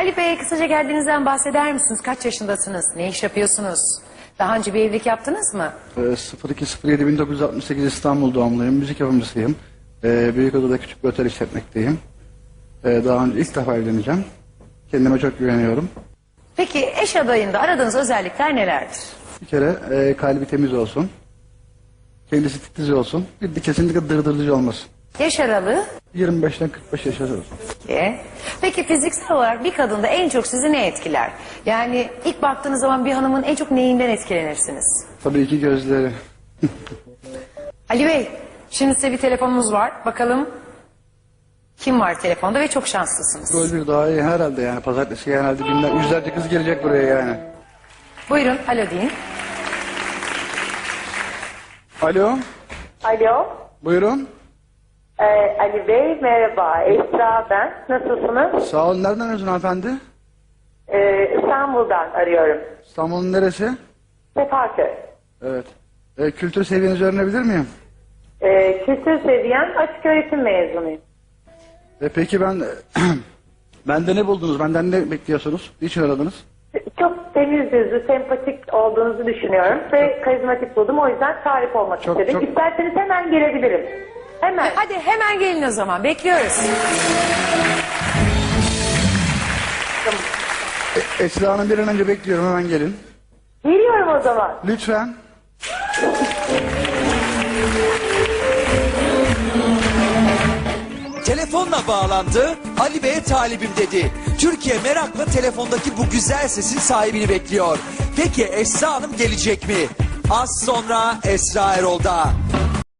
Ali Bey, kısaca geldiğinizden bahseder misiniz? Kaç yaşındasınız? Ne iş yapıyorsunuz? Daha önce bir evlilik yaptınız mı? 02.07.1968 İstanbul doğumluyum. Müzik yapımcısıyım. Büyükada'da küçük bir otel işletmekteyim. Daha önce ilk defa evleneceğim. Kendime çok güveniyorum. Peki eş adayında aradığınız özellikler nelerdir? Bir kere kalbi temiz olsun. Kendisi titiz olsun. Bir de kesinlikle dırdırıcı olmasın. Yaş aralığı? 25'ten 45 yaş arası olsun. Peki fiziksel olarak bir kadında en çok sizi ne etkiler? Yani ilk baktığınız zaman bir hanımın en çok neyinden etkilenirsiniz? Tabii ki gözleri. Ali Bey, şimdi size bir telefonumuz var. Bakalım kim var telefonda ve çok şanslısınız. Rol bir daha iyi herhalde yani. Pazartesi herhalde yüzlerce kız gelecek buraya yani. Buyurun, alo deyin. Alo. Alo. Buyurun. Ali Bey merhaba. Esra ben. Nasılsınız? Sağ olun. Nereden arıyorsun hanımefendi? İstanbul'dan arıyorum. İstanbul'un neresi? Sefaköy. Evet. Kültür seviyenizi öğrenebilir miyim? Kültür seviyen açık öğretim mezunuyum. Peki bende ne buldunuz? Benden ne bekliyorsunuz? Niçin aradınız? Çok temiz yüzlü, sempatik olduğunuzu düşünüyorum ve karizmatik buldum. O yüzden tarif olmak istedim. İsterseniz hemen gelebilirim. Hemen. Hadi hemen gelin o zaman, bekliyoruz. Esra Hanım bir an önce bekliyorum. Hemen gelin. Geliyorum o zaman. Lütfen. Telefonla bağlandı, Ali Bey'e talibim dedi. Türkiye merakla telefondaki bu güzel sesin sahibini bekliyor. Peki Esra Hanım gelecek mi? Az sonra Esra Erol'da.